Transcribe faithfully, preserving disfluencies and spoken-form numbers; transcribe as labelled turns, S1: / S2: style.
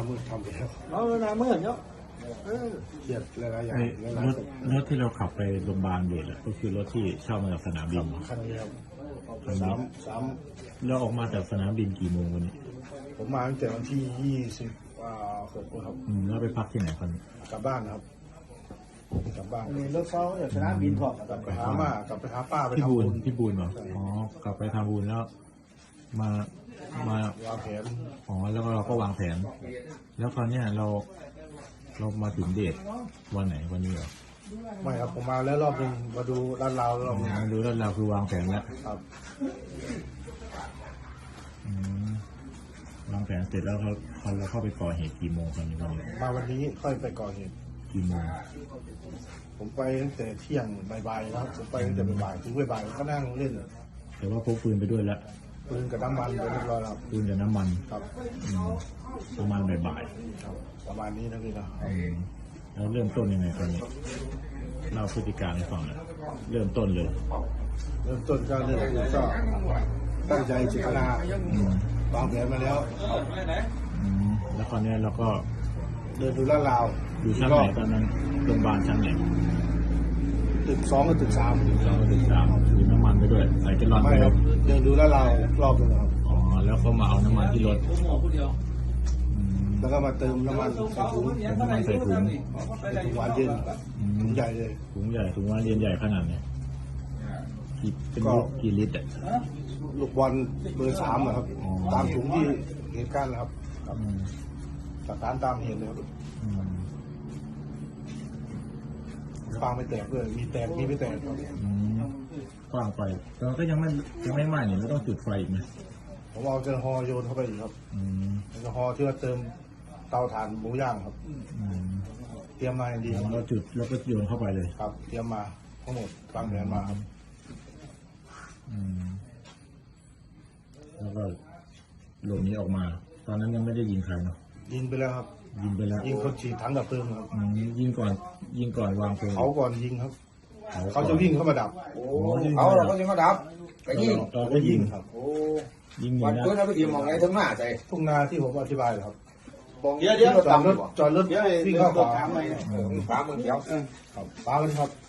S1: มืดทำไปแล้ว
S2: nó là mới hình đó
S1: เครียดหลายๆอย่าง
S3: ไอ้
S1: หลาย
S3: ร
S1: ๆ
S3: ถ
S1: สิ่ง
S3: รถที่เราขับไปโรงพยาบาลเด็กก็คือรถที่เช่ามาจากสนามบิน
S1: คันนี้ครับ
S3: คันนี้
S1: สามสาม
S3: เราออกมาจากสนามบินกี่โมงวันนี้
S1: ผมมาตั้งแต่วันที่ยี่สิบหกครับ
S3: อืมแล้วไปพักที่ไหนกัน
S1: กลับบ้านนะครับกลับบ้าน
S2: lớp sau ở cái đá pin thọ
S1: กลับไปหามากลับไปหาป้าไป
S3: พี่
S1: ทำ
S3: บู
S1: บุ
S3: น
S1: ญ
S3: พี่บูนเหรออ๋อกลับไปทำบุญแล้ว มา มาว
S1: างแผน
S3: อ๋อแล้วก็เราก็วางแผน แล้วคราวเนี้ยเรา เรามาถึงเดทวันไหนวันนี้เหรอ
S1: ไม่ครับผมมาแล้วรอบหนึ่งมาดูร้านเรารอบหนึง
S3: อ๋อดูแล้วเราคือวางแผนแล้ว
S1: ครับ
S3: อืมวางแผนเสร็จแล้วเขาเขาเราเข้าไปก่อเหตุกี่โมงตอนนี้วันนี้
S1: มาวันนี้ค่อยไปก่อเหตุ
S3: กี่โมง
S1: ผมไปตั้งแต่เที่ยงบ่ายๆแล้วผมไปตั้งแต่บ่ายๆถึงบ่ายๆก็นั่งเล่น
S3: แต่ว่าพกปืนไปด้วยแล้ว
S1: ปืนกับน้ำมันไปเรียบร้อยแล้วครับ
S3: ปืนกับน้ำมัน
S1: ครับ
S3: อืมประมาณบ่าย
S1: ครับประมาณนี้นะพี่นะ
S3: ๆอืมแล้วเริ่มต้นยังไงตอนนี้เล่าพฤติการให้ฟังหน่อยเริ่มต้นเลย
S1: เริ่มต้นก็เรื่องก็ตั้งใจเจตนา
S3: อืม
S1: วางแผนมาแล้ว
S3: อืมแล้วคราวเนี้ยเราก็
S1: เดินดูลาดราว
S3: อยู่ชั้นไหนตอนนั้นโรงพยาบาลชั้นไหน
S1: ตึกสองกับตึกสาม
S3: สองถึงสามถือน้ำมันไปด้วยใส่แกลลอน
S1: ไม่
S3: ไป
S1: ครับเดินดูลาดราวรอบนึงครับ
S3: อ๋อแล้วก็มาเอาน้ำมันที่รถอืม
S1: แล้วก็มาเติมน้ำมันใส่ถุง
S3: เอาน้ำมันใส่ถุง
S1: เป็นถุงหวานเย็น
S3: อืม
S1: ถุงใหญ่เลย
S3: ถุงใหญ่ถุงว่าเรียนใหญ่ขนาดไหนกี่เป็นลิตรกี่ลิตรอ่ะ
S1: ลูกบอลเบอร์สามอะครับ
S3: อ๋อ
S1: ตามถุงที่เหตุการณ์นะครับ
S3: อืม
S1: สถานตามเหตุเลยครับ
S3: อืม
S1: ฟางไม่แตกเลยมีแตกมีไม่แตกครับ
S3: อืมกว้างไปแต่ก็ยังไม่ยังไม่ไหม้เนี่ยเราต้องจุดไฟอีกไหม
S1: ผมเอาแอลกอฮอล์โยนเข้าไปอีกครับ
S3: อืม
S1: แอลกอฮอล์ที่ว่าเติมเตาถ่านหมูย่างครับ
S3: อืม
S1: เตรียมมาอย่างดี
S3: แล้วเราจุดแล้วก็โยนเข้าไปเลย
S1: ครับ เตรียมมาทั้งหมดวางแผนมาครับ
S3: อืมแล้วก็หลบหนีออกมา ตอนนั้นยังไม่ได้ยิงใครเนาะ
S1: ยิงไปแล้วครับ
S3: ยิงไปแล้ว
S1: ยิงคนฉีดถังดับเพลิงครับ
S3: อืมยิงก่อน ยิงก่อนวางเพลิง
S1: เขาก่อนยิงครับ
S3: เขา
S1: เขาจะวิ่งเข้ามาดับ
S4: เขาเราก็ยังมาดับไปยิง
S3: เราก็ยิง
S1: ครับ
S4: โอ้
S3: ยิงหนี
S4: วัน
S3: นะ
S4: เพื่อนเราไปยิงมองไงทั้งหน้าใจ
S1: ทุ่งนาที่ผมอธิบายครับ
S4: เดี๋ยวเดี๋ยว
S1: จอดรถจอดรถวิ่งเข้าขวา
S4: ฟ้ามึงเขียว
S1: ครับฟ้ามันครับ